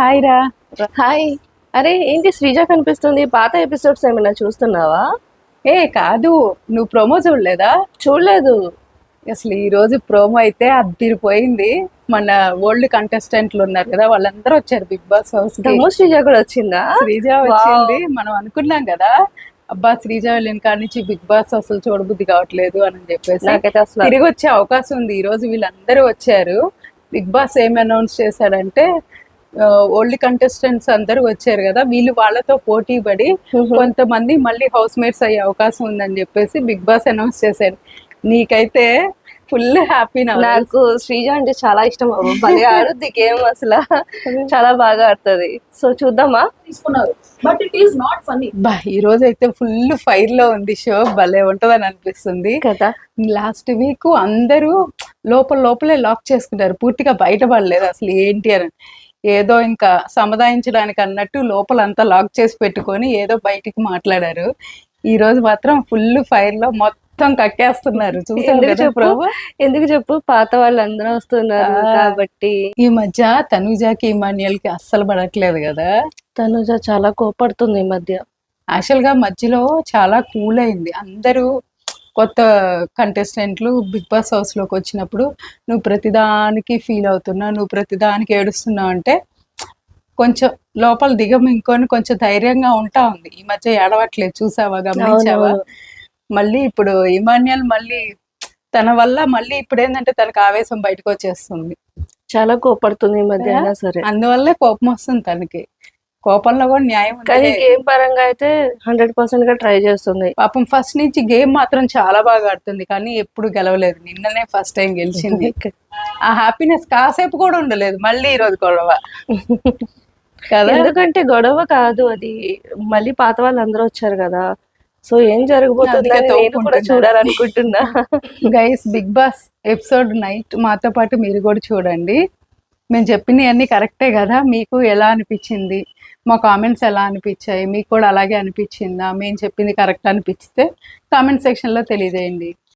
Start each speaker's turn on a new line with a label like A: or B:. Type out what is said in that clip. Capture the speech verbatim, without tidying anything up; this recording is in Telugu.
A: హాయ్ రా.
B: హాయ్. అరే ఏంటి శ్రీజ కనిపిస్తుంది? పాత ఎపిసోడ్స్ ఏమైనా చూస్తున్నావా?
A: ఏ కాదు, నువ్వు ప్రోమో చూడలేదా?
B: చూడలేదు.
A: అసలు ఈ రోజు ప్రోమో అయితే అద్దిరిపోయింది. మన ఓల్డ్ కంటెస్టెంట్లు ఉన్నారు కదా, వాళ్ళందరూ వచ్చారు బిగ్ బాస్ హౌస్ కి.
B: దమ్ము శ్రీజ కూడా వచ్చిందా?
A: శ్రీజ వచ్చింది. మనం అనుకున్నాం కదా, అబ్బా శ్రీజ వెళ్ళిన కాడి నుంచి బిగ్ బాస్ అసలు చూడబుద్ధి కావట్లేదు అని చెప్పేసి
B: నాకైతే అసలు
A: తిరిగి వచ్చే అవకాశం ఉంది. ఈ రోజు వీళ్ళందరూ వచ్చారు. బిగ్ బాస్ ఏమి అనౌన్స్ చేశాడంటే, ఓల్డ్ కంటెస్టెంట్స్ అందరూ వచ్చారు కదా, వీళ్ళు వాళ్ళతో పోటీ పడి కొంతమంది మళ్ళీ హౌస్ మేట్స్ అయ్యే అవకాశం ఉందని చెప్పేసి బిగ్ బాస్ అనౌన్స్ చేశాడు. నీకైతే ఫుల్ హ్యాపీ.
B: నాకు శ్రీజ అంటే చాలా ఇష్టం. భలే ఆడుద్ది గేమ్, అసలు చాలా బాగా ఆడుతుంది. సో చూద్దామా?
C: తీసుకున్నారు but it is not funny.
A: బా ఈ రోజు అయితే ఫుల్ ఫైర్ లో ఉంది షో. భలే ఉంటదని అనిపిస్తుంది
B: కదా.
A: లాస్ట్ వీక్ అందరూ లోపల లోపలే లాక్ చేసుకుంటారు, పూర్తిగా బయటపడలేదు అసలు ఏంటి అని. ఏదో ఇంకా సముదాయించడానికి అన్నట్టు లోపలంతా లాక్ చేసి పెట్టుకొని ఏదో బయటికి మాట్లాడారు. ఈ రోజు మాత్రం ఫుల్ ఫైర్ లో మొత్తం కక్కేస్తున్నారు. చూసారు
B: చెప్పు ఎందుకు చెప్పు పాత వాళ్ళు అందరూ వస్తున్నారు కాబట్టి.
A: ఈ మధ్య తనుజాకి ఇమాన్యుయల్ కి అస్సలు పడట్లేదు కదా.
B: తనుజ చాలా కోపడుతుంది ఈ మధ్య.
A: యాక్చువల్ గా మధ్యలో చాలా కూల్ అయింది. అందరూ కొత్త కంటెస్టెంట్లు బిగ్ బాస్ హౌస్ లోకి వచ్చినప్పుడు నువ్వు ప్రతిదానికి ఫీల్ అవుతున్నావు, నువ్వు ప్రతిదానికి ఏడుస్తున్నావు అంటే కొంచెం లోపల దిగమింకొని కొంచెం ధైర్యంగా ఉంటా ఉంది. ఈ మధ్య ఏడవట్లేదు, చూసావా, గమనించావా? మళ్ళీ ఇప్పుడు ఇమాన్యుయల్ మళ్ళీ తన వల్ల మళ్ళీ ఇప్పుడు ఏంటంటే తనకు ఆవేశం బయటకు వచ్చేస్తుంది.
B: చాలా కోపడుతుంది ఈ మధ్య. అయినా సరే
A: అందువల్లే కోపం వస్తుంది తనకి. కోపంలో కూడా న్యాయం ఉంది.
B: కానీ గేమ్ పరంగా అయితే హండ్రెడ్ పర్సెంట్ గా ట్రై చేస్తుంది.
A: పాపం ఫస్ట్ నుంచి గేమ్ మాత్రం చాలా బాగా ఆడుతుంది, కానీ ఎప్పుడు గెలవలేదు. నిన్ననే ఫస్ట్ టైం గెలిచింది. ఆ హ్యాపీనెస్ కాసేపు కూడా ఉండలేదు. మళ్ళీ ఈ రోజు గొడవ కదా.
B: ఎందుకంటే గొడవ కాదు అది, మళ్ళీ పాత వాళ్ళు అందరూ వచ్చారు కదా. సో ఏం జరగబోతుంది నేను కూడా చూడాలనుకుంటున్నా.
A: Guys, big boss episode night మాతో పాటు మీరు కూడా చూడండి. మేము చెప్పినవి అన్ని కరెక్టే కదా? మీకు ఎలా అనిపించింది? మా కామెంట్స్ ఎలా అనిపించాయి? మీకు కూడా అలాగే అనిపించిందా? మేము చెప్పింది కరెక్ట్ అనిపిస్తే కామెంట్ సెక్షన్లో తెలియజేయండి.